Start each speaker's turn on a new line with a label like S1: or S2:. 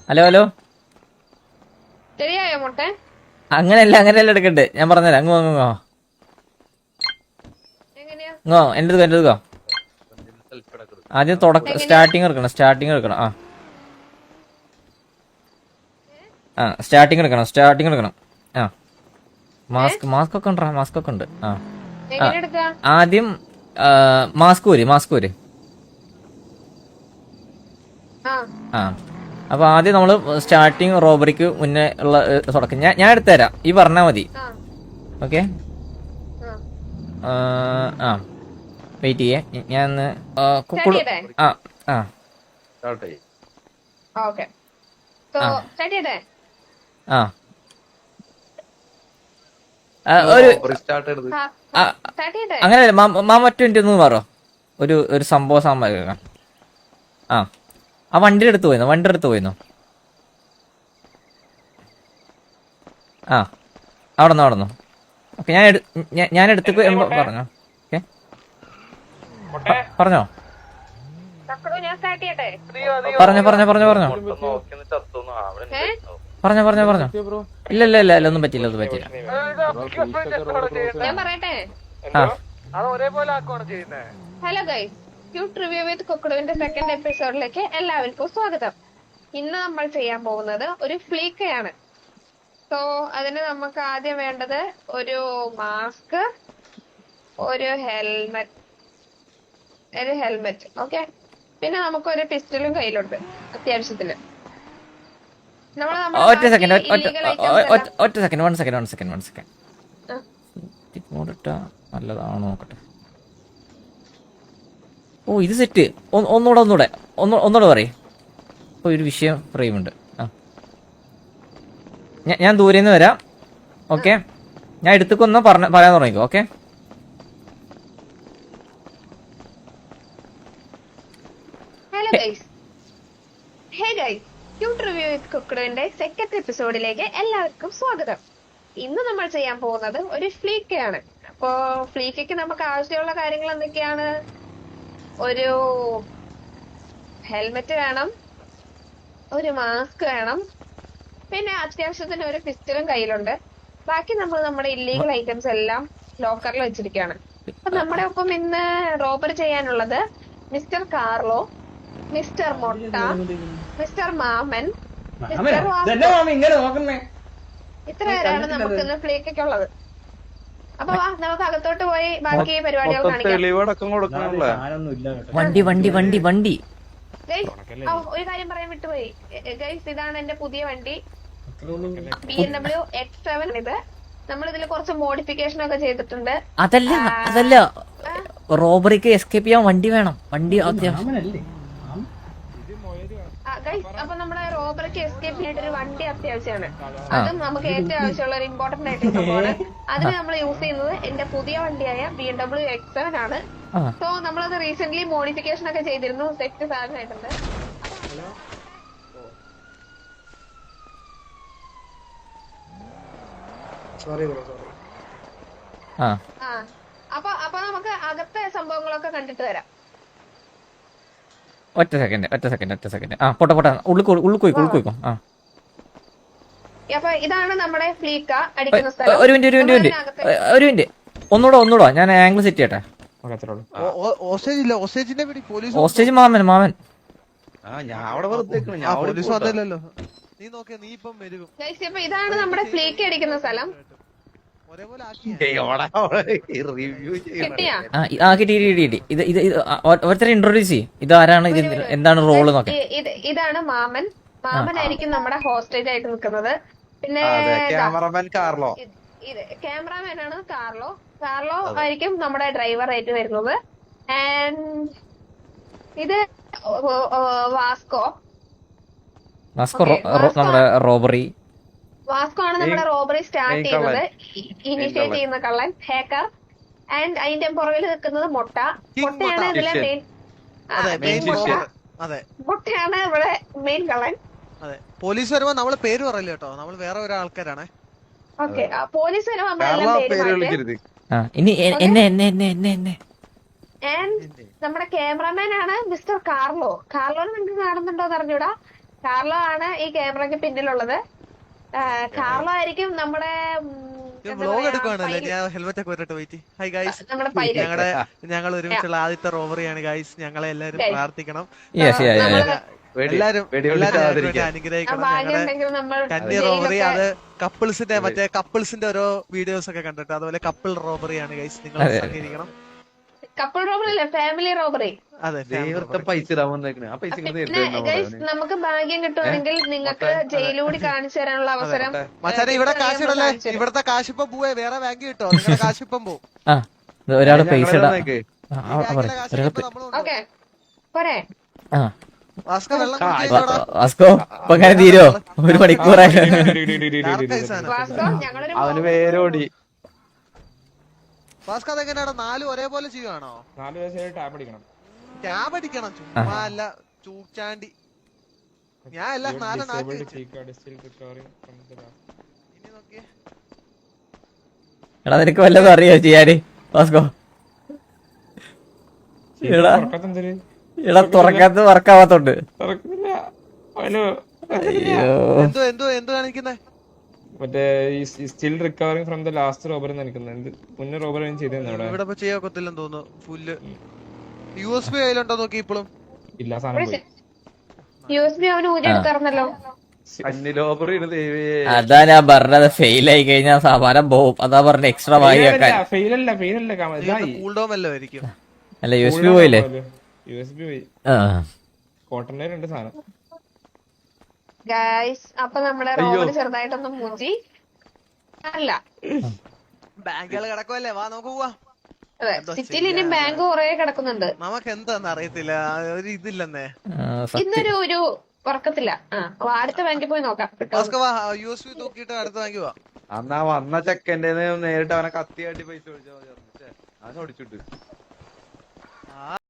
S1: Hello hello.
S2: ശരിയായോ മുട്ടെ?
S1: അങ്ങനെയല്ല എടുക്കണ്ട്. ഞാൻ പറഞ്ഞുതരാം. അങ്ങോ എന്റെ എടുക്കോ. ആദ്യം സ്റ്റാർട്ടിങ് എടുക്കണം. സ്റ്റാർട്ടിങ് എടുക്കണം. ആ മാസ്ക് ഒക്കെ ഉണ്ട്. ആദ്യം മാസ്ക് ഊര്. ആ അപ്പൊ ആദ്യം നമ്മള് സ്റ്റാർട്ടിങ് റോബറിക്ക് മുന്നേ ഉള്ള തുടക്കം ഞാൻ എടുത്തുതരാം. ഈ പറഞ്ഞാ മതി. ഓക്കെ. വെയിറ്റ് ചെയ്യേ. ഞാൻ അങ്ങനെയല്ല മറ്റു ഒന്ന് പറോ. ഒരു സംഭവം കേൾക്കാം. ആ വണ്ടിയുടെ അടുത്ത് പോയിന്നോ. അവിടെന്നോ. ഓക്കെ. ഞാൻ എടുത്തേക്ക് പറഞ്ഞോ. ഓക്കെ പറഞ്ഞോ. ഇല്ല ഒന്നും പറ്റില്ല.
S2: Hello guys, cute review with കൊക്കഡുവിന്റെ സെക്കൻഡ് എപ്പിസോഡിലേക്ക് എല്ലാവർക്കും സ്വാഗതം. ഇന്ന് നമ്മൾ ചെയ്യാൻ പോകുന്നത് ഒരു ഫ്ലീക്കയാണ്. സോ അതിന് നമുക്ക് ആദ്യം വേണ്ടത് ഒരു മാസ്ക്, ഒരു ഹെൽമെറ്റ്. ഓക്കെ. പിന്നെ നമുക്കൊരു പിസ്റ്റലും കയ്യിലുണ്ട് അത്യാവശ്യത്തിന്.
S1: ഒറ്റ സെക്കൻഡ്. നല്ലതാണോ നോക്കട്ടെ. ഓ ഇത് സെറ്റ്. ഒന്നുകൂടെ പറയും. ഇപ്പൊ ഒരു വിഷയം ഫ്രെയിമുണ്ട്. ഞാൻ ദൂരെ നിന്ന് വരാം. ഓക്കെ. ഞാൻ എടുത്തേക്കൊന്ന് പറയാൻ തുടങ്ങിക്കോ. ഓക്കെ.
S2: ക്യൂട്ട് റിവ്യൂ വിത്ത് കുക്കറിന്റെ സെക്കൻഡ് എപ്പിസോഡിലേക്ക് എല്ലാവർക്കും സ്വാഗതം. ഇന്ന് നമ്മൾ ചെയ്യാൻ പോകുന്നത് ഒരു ഫ്ലീക്കയാണ്. അപ്പോ ഫ്ലീക്കയ്ക്ക് നമുക്ക് ആവശ്യമുള്ള കാര്യങ്ങൾ എന്തൊക്കെയാണ്? ഒരു ഹെൽമെറ്റ് വേണം, ഒരു മാസ്ക് വേണം, പിന്നെ അത്യാവശ്യത്തിന് ഒരു പിസ്റ്റലും കയ്യിലുണ്ട്. ബാക്കി നമ്മൾ നമ്മുടെ ഇല്ലീഗൽ ഐറ്റംസ് എല്ലാം ലോക്കറിൽ വെച്ചിരിക്കുകയാണ്. അപ്പൊ നമ്മുടെ ഒപ്പം ഇന്ന് റോബറി ചെയ്യാനുള്ളത് mister Carlo, mister Motta, mister Maman, mister ഇത്ര പേരാണ് നമുക്ക് ഇന്ന് ഫ്ലീക്കൊക്കെയുള്ളത്. അപ്പൊ വാ, നമുക്ക് അകത്തോട്ട് പോയി ബാക്കി പരിപാടികൾ കാണിക്കാം.
S1: വണ്ടി
S2: ഒരു കാര്യം പറയാൻ വിട്ടുപോയി ഗൈസ്. ഇതാണ് എന്റെ പുതിയ വണ്ടി, BMW X7. ഇത് നമ്മൾ ഇതിൽ കുറച്ച് മോഡിഫിക്കേഷൻ ഒക്കെ ചെയ്തിട്ടുണ്ട്.
S1: അതല്ല റോബറിക്ക് എസ്കേപ്പ് ചെയ്യാൻ വണ്ടി വേണം. വണ്ടി
S2: അപ്പൊ നമ്മുടെ റോബറിക്ക് എസ്കേപ്പ് ചെയ്യാനായിട്ട് ഒരു വണ്ടി അത്യാവശ്യമാണ്. അതും നമുക്ക് ഏറ്റവും ആവശ്യമുള്ള ഒരു ഇമ്പോർട്ടന്റ് ആയിട്ടുള്ള സംഭവമാണ്. അതിന് നമ്മൾ യൂസ് ചെയ്യുന്നത് എന്റെ പുതിയ വണ്ടിയായ BMW X7 ആണ്. സോ നമ്മളത് റീസെന്റ് മോഡിഫിക്കേഷൻ ഒക്കെ ചെയ്തിരുന്നു. സെറ്റ് സാധനമായിട്ടുണ്ട്. അപ്പൊ നമുക്ക് അകത്തെ സംഭവങ്ങളൊക്കെ കണ്ടിട്ട് വരാം.
S1: ഒറ്റ സെക്കൻഡ്. പോട്ടെ. ഉള്ളിൽ പോയിക്കോ.
S2: അപ്പൊ ഇതാണ് നമ്മുടെ ഫ്ലീക്ക അടിക്കുന്ന സ്ഥലം.
S1: ഒരു മിനിറ്റ്. ഒന്നൂടെ ഞാൻ ആംഗിൾ സെറ്റ് ചെയ്യട്ടെ. ഹോസ്റ്റേജ് മാമൻ.
S2: ഇതാണ് നമ്മുടെ ഫ്ലീക്ക അടിക്കുന്ന സ്ഥലം.
S1: കിട്ടി. ഓരോരുത്തരെ ഇൻട്രോഡ്യൂസ് ചെയ്യും. ഇതാരാണ്, എന്താണ് റോള് നോക്കാം.
S2: ഇതാണ് മാമനായിരിക്കും നമ്മുടെ ഹോസ്റ്റേജ് ആയിട്ട് നിൽക്കുന്നത്. പിന്നെ ക്യാമറാമാൻ ആണ് കാർലോ ആയിരിക്കും നമ്മുടെ ഡ്രൈവർ ആയിട്ട് വരുന്നത്. ആൻഡ് ഇത് വാസ്കോ
S1: നമ്മുടെ റോബറി.
S2: വാസ്കോ ആണ് നമ്മുടെ റോബറി സ്റ്റാർട്ട് ചെയ്യുന്നത്, ഇനിഷ്യേറ്റ് ചെയ്യുന്ന കള്ളൻ, ഹാക്കർ. ആൻഡ് അതിന്റെ പുറകിൽ നിൽക്കുന്നത് മൊട്ടയാണ് ഇതിലെ മൊട്ടയാണ് ഇവിടെ മെയിൻ കള്ളൻ.
S3: പോലീസ് വരുമ്പോ നമ്മള് പേര് പറയില്ല കേട്ടോ, നമ്മൾ വേറെ ഒരാൾക്കാരാണ്.
S2: ഓക്കെ. പോലീസ് വരുമ്പോ നമ്മളെല്ലാം നമ്മുടെ ക്യാമറാമാൻ ആണ് മിസ്റ്റർ കാർലോനെ നിങ്ങൾക്ക് കാണുന്നുണ്ടോ എന്ന് അറിഞ്ഞൂടാ. കാർലോ ആണ് ഈ ക്യാമറയ്ക്ക് പിന്നിലുള്ളത്. കാർലോ ആയിരിക്കും നമ്മുടെ
S3: വ്ലോഗ് എടുക്കുവാണല്ലേ? ഞാൻ ഹെൽമെറ്റ് ഒക്കെ വരട്ടെ വെയിറ്റ്. ഹൈ ഗൈസ്,
S2: നമ്മുടെ പൈലറ്റ്.
S3: ഞങ്ങൾ ഒരുമിച്ചുള്ള ആദ്യത്തെ റോബറിയാണ് ഗൈസ്. ഞങ്ങളെ എല്ലാരും പ്രാർത്ഥിക്കണം.
S1: യെസ്
S3: എല്ലാരും അനുഗ്രഹിക്കണം.
S2: ഭാഗ്യമുണ്ടെങ്കിൽ നമ്മൾ
S3: കന്നി റോബറി, അത് കപ്പിൾസിന്റെ മറ്റേ കപ്പിൾസിന്റെ ഓരോ വീഡിയോസ് ഒക്കെ കണ്ടിട്ട് അതുപോലെ കപ്പിൾ റോബറിയാണ് ഗൈസ്. നിങ്ങൾ സഹകരിക്കണം.
S2: കപ്പിൾ റോബറി അല്ല, ഫാമിലി റോബറി.
S3: അതെ,
S4: പൈസ ഇടാൻ വന്നേക്കണേ. ആ പൈസ
S2: ഗൈസ് നമുക്ക് ഭാഗ്യം കിട്ടുമെങ്കിൽ നിങ്ങൾക്ക് ജയിലൂടി കാണിച്ചു തരാനുള്ള അവസരം.
S3: മച്ചാനെ ഇവിടെ കാശ് ഇടല്ലേ? ഇവിടത്തെ കാശിപ്പം പോവേ, വേറെ ബാങ്ക് കിട്ടോ? നിങ്ങളുടെ കാശിപ്പം പോവും.
S1: ആ ഒരാള് പൈസ ഇടാ.
S2: ഓക്കെ പോരെ?
S1: ആ
S3: വാസ്ക വെള്ളം
S1: വാസ്കോ ഇപ്പൊ അങ്ങനെ തീരോ? 1 മണിക്കൂറായി.
S2: ഞങ്ങളൊരു
S4: അവന് പേരോടി.
S3: വാസ്ക അതെങ്ങനെയാണ്? 4 ഒരേപോലെ ചെയ്യുവാണോ?
S5: 4 വയസ്സായി ടാബ് അടിക്കണം.
S3: ടാബ് അടിക്കണം? ചുമ്മാ അല്ല, ചൂച്ചാണ്ടി. ഞാൻ എല്ലാം 4 നാക്കി വെച്ചു. ഇനി നോക്കിയേ.
S1: എടാ നിനക്ക് വല്ലതും അറിയോ ചെയ്യാന് വാസ്കോ? എടാ എടാ തുറക്കാത്ത വർക്കാവാത്തോണ്ട്
S3: എന്തോ എന്തോ എന്തോ കാണിക്കുന്നേ?
S5: മറ്റേ still recovering from the last robbery നിൽക്കുന്നത്. മുന്നേ റോബറി ചെയ്തിരുന്നു അവിടെ.
S3: ഇവിടെ ചെയ്യാക്കൊത്തില്ലെന്ന് തോന്നുന്നു. ഫുള്ള് USB കയ്യിലുണ്ടോ നോക്കി ഇപ്പോഴും?
S5: ഇല്ല, സാധനം പോയി.
S2: USB അവന് ഊരി എടുക്കാറുണ്ടല്ലോ.
S1: അതാ ഞാൻ പറഞ്ഞത്, ഫെയിൽ ആയി കഴിഞ്ഞാൽ സാമാനം പോവും. അതാ പറഞ്ഞ എക്സ്ട്രാ വായി വെക്കാൻ.
S5: ഫെയിലല്ല
S3: കൂൾ ഡൗൺ വല്ലോ ആയിരിക്കും.
S1: അല്ല USB പോയില്ലേ?
S5: USB പോയി. കോട്ടണിലുണ്ട് സാധനം.
S2: ഗൈസ് അപ്പൊ നമ്മുടെ റോബറി ചെറുതായിട്ടൊന്നും മൂഞ്ചി അല്ല.
S3: ബാങ്കുകൾ കിടക്കുമല്ലേ? വാ നമുക്ക് പോവാ.
S2: അതെ, സിറ്റിയിൽ ഇനി ബാങ്ക് കുറെ കിടക്കുന്നുണ്ട്.
S3: നമുക്ക് എന്താന്ന് അറിയത്തില്ല, ഒരു ഇതില്ലെന്നേ.
S2: ഇന്നൊരു ഒരു ഉറക്കത്തില്ല. അടുത്ത ബാങ്കിൽ പോയി നോക്കാം.
S3: USB തൂക്കിയിട്ട് അടുത്ത ബാങ്ക് പോവാ.
S4: അന്നാ വന്ന ചെക്കൻ്റെ നേരിട്ട് അവനെ കത്തി കാട്ടി പൈസ മേടിച്ചാൽ അവനെ ഓടിച്ചിട്ട്